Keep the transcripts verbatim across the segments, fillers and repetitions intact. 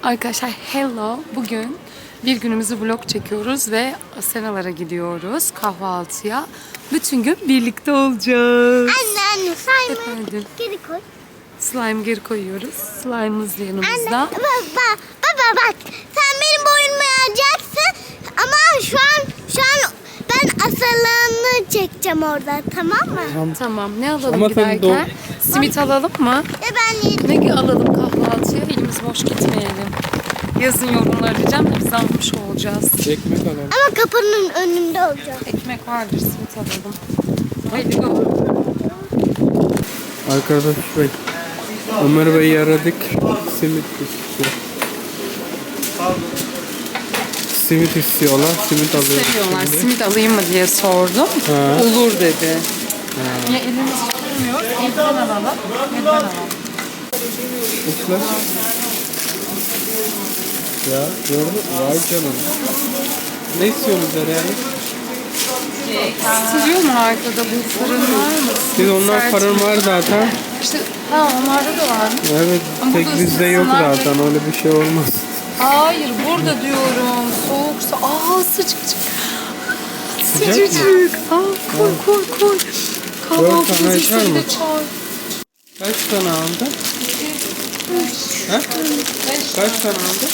Arkadaşlar hello. Bugün bir günümüzü vlog çekiyoruz ve Asenalara gidiyoruz kahvaltıya. Bütün gün birlikte olacağız. Anne anne slime'ı Efendim? geri koy. Slime geri koyuyoruz. Slime'ımız yanımızda. Anne baba, baba bak sen benim boynumu alacaksın ama şu an şu an ben asalığını çekeceğim orada, tamam mı? Tamam. Tamam. Ne alalım Ama giderken? tabii Simit alalım mı? Ve ben yedim. Ne alalım kahvaltıya? Elimiz boş gitmeyelim. Yazın yorumlar arayacağım da biz almış olacağız. Ekmek alalım. Ama kapının önünde olacak. Ekmek vardır, simit alalım. Haydi go. Arkadaş Bey, Ömer Bey'i aradık. Simit istiyor. Simit istiyorlar. Simit alıyor. Seviyorlar. Şimdi. Simit alayım mı diye sordum. Ha. Olur dedi. Ya elimiz tutmuyor. Elden alalım. Elden alalım. Uçlar. Ya gördün mü? Vay canına. Ne istiyorsunuz yani? Siliyor mu arkada bu fırın var mı? Biz onlar Sert fırın mi? var zaten. İşte ha onlarda da var. Evet, Ama tek burada bizde yok ısınsınlar zaten. ve- Öyle bir şey olmaz. Hayır burada diyorum. Soğuksa. Aa sıcacık. Sıcak mı? Sıcacık. Aa koy koy koy. tane Kahvaltımızı açar sen mı? de çay. Kaç tane aldın? He? Kaç tane aldın?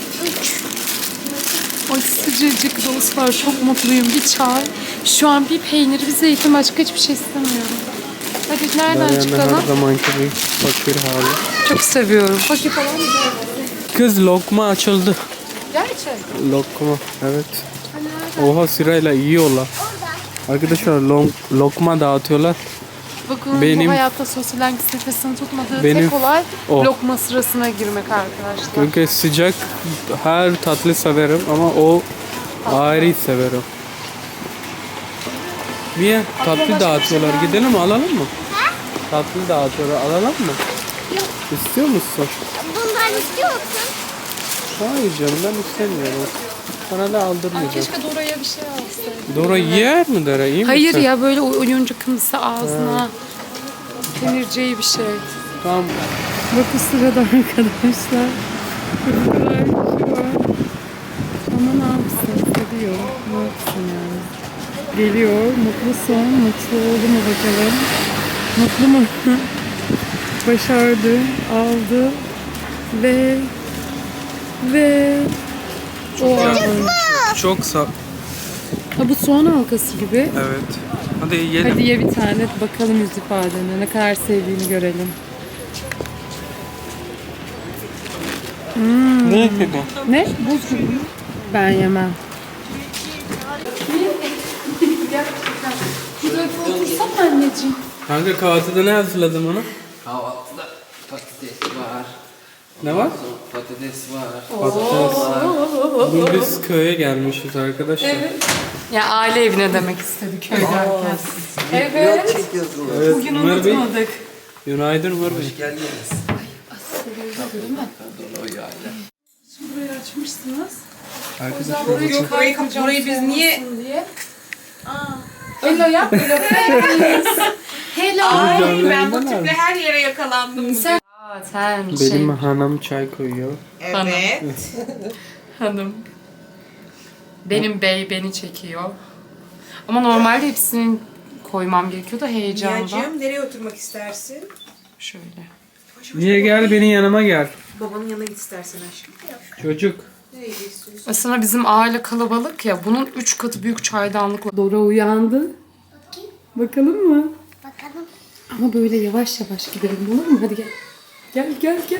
Ay sıcacık dostlar, çok mutluyum. Bir çay, şu an bir peynir, bir zeytin, başka hiçbir şey istemiyorum. Hadi nereden Yani çıkalım? her zamanki bir fakir hali. Çok seviyorum. Fakir falan mı? Kız lokma açıldı. Gerçek. Lokma, evet. Oha sırayla yiyorlar. Arkadaşlar lok, lokma dağıtıyorlar. Bakın Benim- bu hayatta sosyal anksiyetesini tutmadığı Benim- tek olay o. lokma sırasına girmek arkadaşlar. Çünkü sıcak her tatlı severim ama o ayrı severim. Niye? Tatlı dağıtıyorlar. Gidelim mi, alalım mı? Tatlı dağıtıyorlar. Alalım mı? Yok. İstiyor musun? Bundan istiyor musun? Hayır canım, ben istemiyorum. Sana da Ay, aldırmayacağım. keşke Dora'ya bir şey alsaydım. Dora yer mi Dora? İyi Hayır misin? ya, böyle oyuncakımsı ağzına kemireceği bir şey. Tamam. Bakın sırada arkadaşlar. Kırmızılar kişi var. Ama ne yapsın? Seviyor. Ne yapsın yani? Geliyor. Mutlu son. Mutlu oldu mu bakalım? Mutlu mu? Başardı. Aldı. Ve ve o an. Çok sağ. Ha, bu soğan halkası gibi. Evet. Hadi yiyelim. Hadi ye bir tane, bakalım yüz ifadene. Ne kadar sevdiğini görelim. Ne dedi? Ne? Buz gibi. Ben yemem. Şuraya otursana anneciğim. Kanka kahvaltıda ne hazırladın ona? Kahvaltıda patates var. Ne var? Patates var. Patates. Bugün biz köye gelmişiz arkadaşlar. Ya aile evine demek istedi köy derken. Evet. Çekiyorsun. Evet, Bugün Ömer Bey. unutmadık. Günaydın Ömer Bey. Hoş geldiniz. Değil mi? Dolu yayla. Şimdi burayı açmışsınız. Arkadaşlar Burayı Yok, burayı, burayı biz niye... diye. Hello yap. Hello please. Hello. Ay Canlarından ben bu abi. tiple her yere yakalandım. Sen, Aa, sen benim şey hanım çay koyuyor. Evet. hanım. Benim bey beni çekiyor. Ama normalde hepsinin koymam gerekiyor da heyecandan. Niyacığım nereye oturmak istersin? Şöyle. Niye gel benim yanıma gel. Babanın yanına git istersen aşkım. Çocuk. Nereye gidiyorsun? Aslında bizim aile kalabalık ya. Bunun üç katı büyük çaydanlık var. Dora uyandı. Bakalım mı? Bakalım. Ama böyle yavaş yavaş gidelim, olur mu? Hadi gel. Gel gel gel.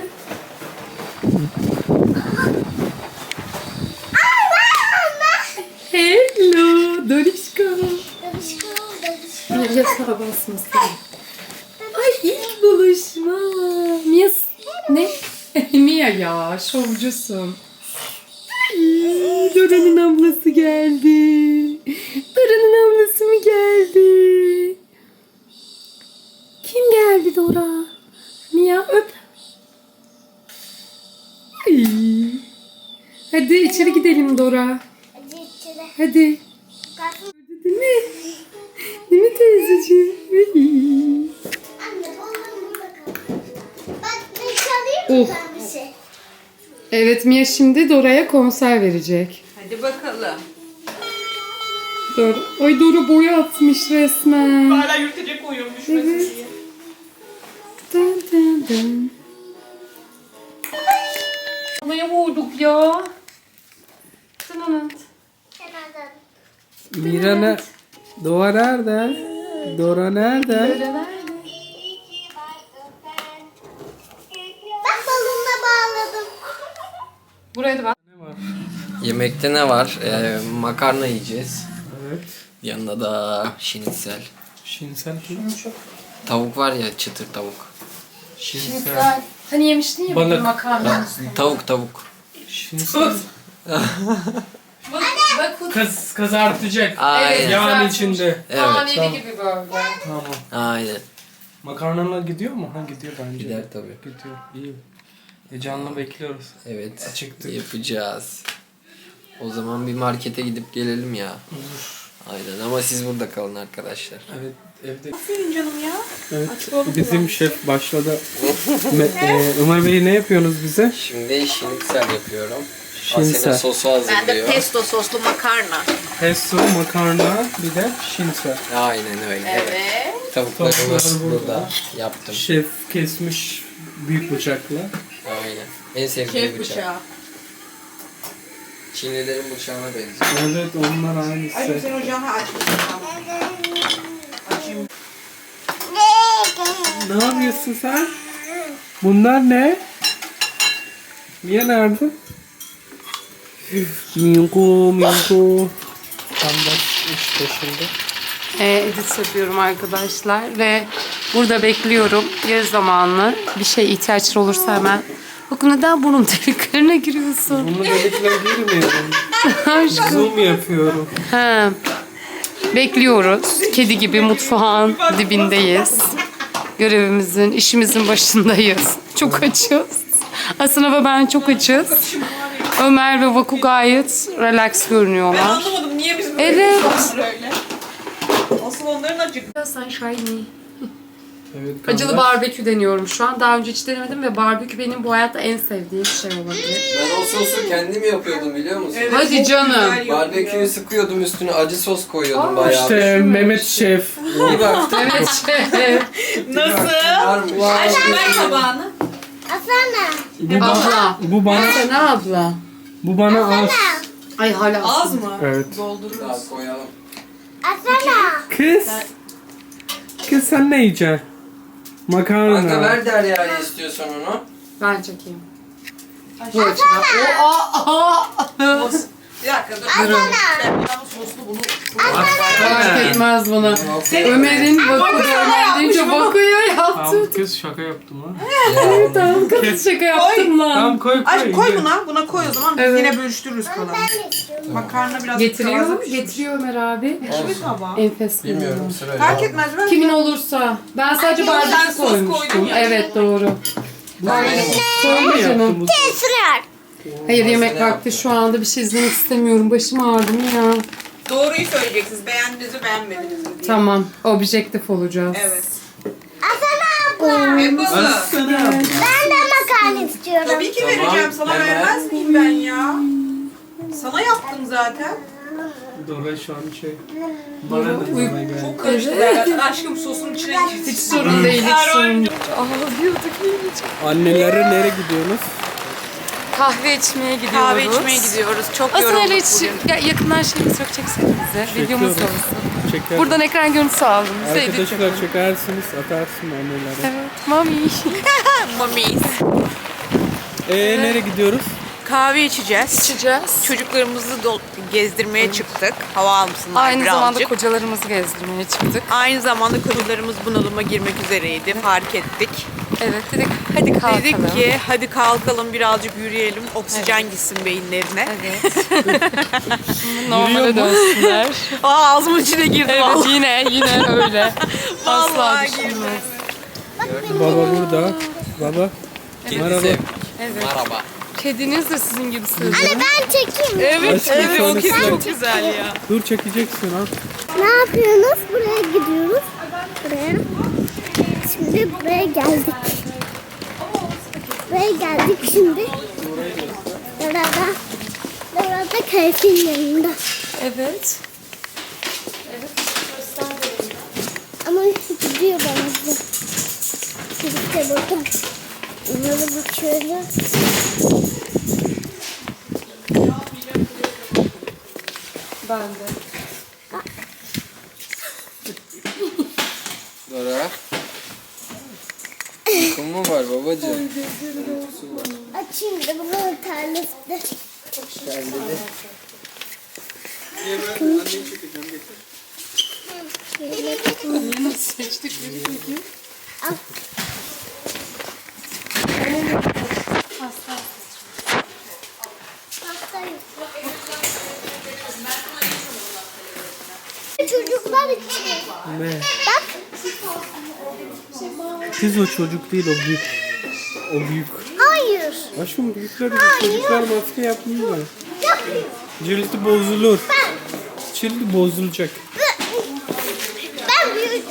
Hello Dorişko. Darışko, darışko. Yatağa basmasın. Ay ilk buluşma. Mia ne? Mia ya, şovcusun. Ay, Dora'nın ablası geldi. Dora'nın ablası mı geldi? Kim geldi Dora? Mia öp. Ay. Hadi içeri gidelim Dora. Hadi içeri. Hadi. Kalkın. Değil mi? Değil mi teyzeciğim? Anne, oğlum burada kal. Bak, ben çalayım mı Oh. ben bir şey? Evet, Mia şimdi Dora'ya konser verecek. Hadi bakalım. Dora. Ay Dora boya atmış resmen. Hala yürütecek koyuyorum düşmesin Evet. diye. Dın dın dın. Havaya vurduk ya. Tınanat. Mira ne? Dora nerede? Dora nerede? Bak balonla bağladım. Buraya da bak. Yemekte ne var? Ee, makarna yiyeceğiz. Evet. Yanında da şinitsel. Şinsel kim? Tavuk var ya, çıtır tavuk. Şinsel. Hani yemiştin ya Balık. bir makarna. Tavuk tavuk. Şinsel. Bak Kız kızartacak. Aynen. Yağın içinde. Evet. taneli tamam. gibi böyle. Tamam. Aynen. Makarnalar gidiyor mu? Ha gidiyor bence. Gider tabii. Gidiyor. İyi. Heyecanla bekliyoruz. Evet. Açıktık. Yapacağız. O zaman bir markete gidip gelelim ya. Aynen, ama siz burada kalın arkadaşlar. Evet evde. Aferin canım ya. Evet. Bizim şef başladı. Me- e, Ömer Bey ne yapıyorsunuz bize? Şimdi şinitsel yapıyorum. Şinitsel. Asena sosu hazırlıyor. pesto soslu makarna. Pesto, makarna, bir de şinsel. Aynen öyle. Evet. Tavuklarımız Tavuklar burada. burada. Yaptım. Şef kesmiş büyük bıçakla. Aynen. En sevdiğim bıçak. Çinlilerin bıçağına benziyor. Evet onlar Ay aynısı. sen ocağını açmışsın. Açayım. Ne yapıyorsun sen? Bunlar ne? Mia nerede? Minko, Minko. Tam da iş başında. E, edit yapıyorum arkadaşlar ve burada bekliyorum. Yarı zamanlı bir şey ihtiyaçları olursa hemen. Bakın neden burnum deliklerine giriyorsun? Bunu dediklerine girmiyorum. Aşkım. Zoom yapıyorum. Ha. Bekliyoruz. Kedi gibi mutfağın dibindeyiz. Görevimizin, işimizin başındayız. Çok açız. Aslında ve ben çok açız. Ömer ve Vaku gayet relax görünüyorlar. Anlamadım niye bizim böyle Evet. bir öyle. Asıl onların acık. Sen shiny. Evet, Acılı kardeş. barbekü deniyorum şu an. Daha önce hiç denemedim ve barbekü benim bu hayatta en sevdiğim şey olabilir. Ben o sosu kendim yapıyordum, biliyor musun? Hadi çok canım. güzel yapıyor. Barbeküyü sıkıyordum, üstüne acı sos koyuyordum bayağı. İşte Mehmet Şef. Bir baktım Evet şef. Nasıl? varmış. Aşkım ver tabağını. Asana. Bu, ba- Abla. bu bana Sen abla. bu bana az. Ay hala Az mı? Evet. Doldururuz. Daha koyalım. Asana. Kız. Kız sen ne yiyeceksin? Kanka Makarna. ver Derya'ya istiyorsan onu. Ben çekeyim. Bu açıdan. O, aa, aa. Bir dakika dur. Durun. Soslu bunu. Fark etmez bana. Ömer'in Vaku'da Ömer deyince Vaku'ya yaptı. Tamam kız şaka yaptım ha. Ya, Tamam kız şaka yaptım lan. Tamam koy koy. Aşk koy ye. buna. Buna koy o zaman. Biz Evet. yine bölüştürürüz kalanı. Makarna biraz Getiriyor, taze pişmiş. getiriyor Ömer abi. Kimin tabağı? Enfes bilmiyorum, görünüyor. sırayla. Fark etmez. Ver. Kimin olursa. Ben sadece Ay, sen barbekü sos koydun koymuştum. ya. Evet doğru. Sen mi yaptın bu? Esrar. Hayır yemek Malzeme vakti şu anda bir şey izlemek istemiyorum. Başım ağrıdı mı ya? Doğruyu söyleyeceksiniz. Beğendiniz mi beğenmediniz mi diye. Tamam. Objektif olacağız. Evet. Asana abla. Yapalım. Ben de makarna istiyorum. Tabii ki Tamam, vereceğim. Sana hemen. vermez miyim ben ya? Sana yaptım zaten. Dora şu an şey. Bana da bana gel. Çok karıştı. Evet. Aşkım sosun içine Hiç girsin. sorun değil. Hiç Her sorun oyuncu- değil. Ağlıyorduk yiyecek. Annelere nereye gidiyorsunuz? Kahve içmeye gidiyoruz. Kahve içmeye gidiyoruz. Çok Aslında yorulduk öyle hiç bugün. ya, yakından şeyimiz yok çeksenize. Videomuz Çekiyoruz. olsun. Çeker. Buradan ekran görüntüsü aldım. Bize edit Arkadaşlar yapalım. çekersiniz atarsın annelere. Evet. Mami. Mamiyiz. Eee nereye gidiyoruz? Kahve içeceğiz. İçeceğiz. Çocuklarımızı do- gezdirmeye çıktık. Hava almışsınlar Aynı birazcık. zamanda kocalarımızı gezdirmeye çıktık. Aynı zamanda kocalarımız bunalıma girmek üzereydi. Fark ettik. Evet dedik hadi kalkalım. Dedik ki hadi kalkalım birazcık yürüyelim. Oksijen gitsin beyinlerine. Evet. Normale dönsünler. Aa ağzımın içine girdi Evet vallahi. yine yine öyle. Asla Vallahi girdi. düşünmez. Baba burada. Baba. Merhaba. Evet. Merhaba. Kediniz de sizin gibi sığdı. Anne ben çekeyim. Evet, Aşkım, evet o şöyle kedi sen- çok güzel ya. Dur çekeceksin ha. Ne yapıyorsunuz? Buraya gidiyoruz. Buraya. Şimdi buraya geldik. Buraya geldik şimdi. Teyzenin yanında. Evet. Ama gidiyor bana bu. İşte buradan. Bunları bakıyorum. Ben de. Dora. Uykum mu var babacığım? Açayım da bunun tarlası. Nasıl seçtik bir peki? Çocuklar için. Ne? Bak. Kız o çocuk değil o büyük. O büyük. Hayır. Aşkım büyükler çocuklar maske yapmıyor. Yapayım. Cildi bozulur. Cildi bozulacak. Ben büyük.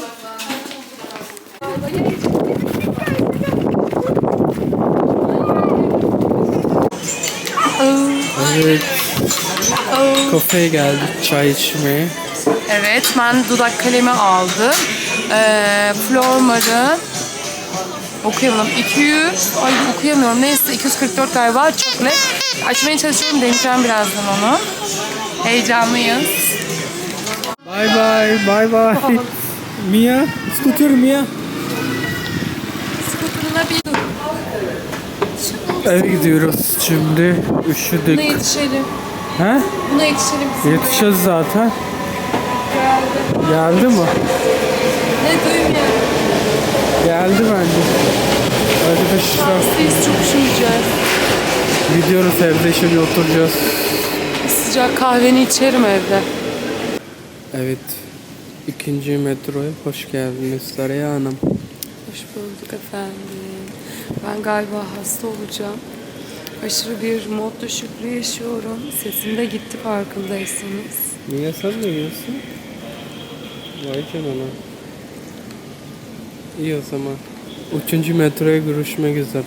Evet. Kafeye geldik çay içmeye. Evet, ben dudak kalemi aldım. Ee, Flormar'ın okuyamıyorum. iki yüz, ay okuyamıyorum. Neyse iki yüz kırk dört galiba. Çok net. Açmaya çalışıyorum. Deneyeceğim birazdan onu. Heyecanlıyız. Bye bye, bye bye. Mia, scooter Mia. Skuterına bir Eve gidiyoruz şimdi. Buna Üşüdük. yetişelim. He? Buna yetişelim. Yetişeceğiz zaten. Geldi. Geldi mi? Ne duyayım ya? Geldi bence. Arkadaşlar Biz çok üşümeyeceğiz. gidiyoruz evde şimdi oturacağız. Sıcak kahveni içerim evde. Evet. İkinci metroya hoş geldiniz Saraya Hanım. Hoş bulduk efendim. Ben galiba hasta olacağım. Aşırı bir mod düşüklüğü yaşıyorum. Sesim de gitti farkındaysanız. Niye sen ne yiyorsun? Vay canına. İyi o zaman. Üçüncü metroya görüşmek üzere.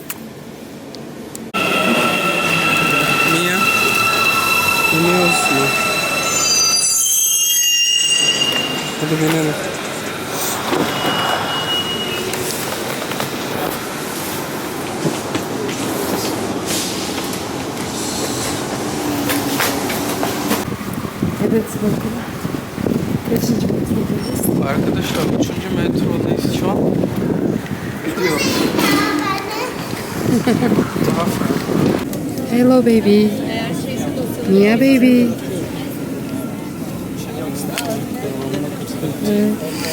Niye? İniyoruz mu? Hadi binelim. Evet bakın. Kaçıncı metrodayız? Arkadaşlar üçüncü metrodayız şu an. Gidiyoruz. Hello baby. Mia baby. Evet.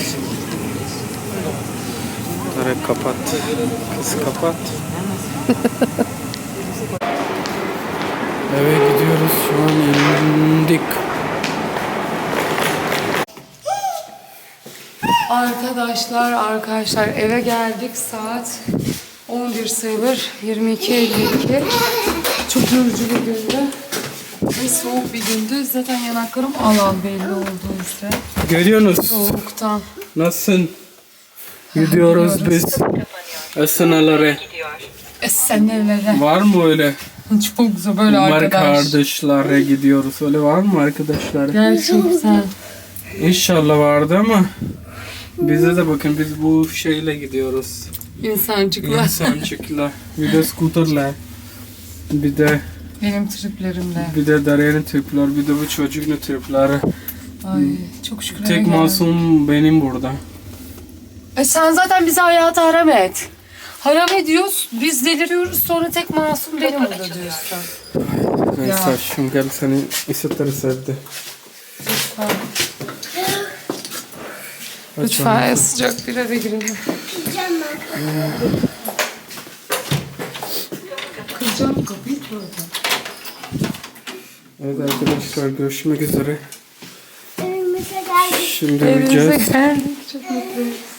Tarık kapat. Kız kapat. Eve gidiyoruz şu an indik. Arkadaşlar arkadaşlar eve geldik saat on bir sayılır yirmi iki elli iki. Çok yorucu bir gündü ve soğuk bir gündü. Zaten yanaklarım al al belli oldu ise. Görüyorsunuz. Soğuktan. Nasılsın? Gidiyoruz biz. Esnalara. E sen nelere? Var mı öyle? Çok güzel böyle Var arkadaş. kardeşlere gidiyoruz. Öyle var mı arkadaşlar? Gerçekten. İnşallah vardı ama bize de bakın biz bu şeyle gidiyoruz. İnsancıklar. İnsancıkla. Bir de skuterla. Bir de Benim triplerimle. bir de Derya'nın tripler, bir de bu çocuğun tripleri. Ay çok şükür eve Tek geldim. masum benim burada. E sen zaten bize hayatı haram et. Haram ediyoruz, biz deliriyoruz sonra tek masum benim burada diyorsun. Neyse aşkım gel seni ısıtırız evde. Lütfen. Aç Lütfen en sıcak bir eve girelim. Kıracağım kapıyı koyacağım. Evet arkadaşlar görüşmek üzere. Evimize geldik. Şimdi Evimize uyuyacağız. geldik. Çok mutluyuz.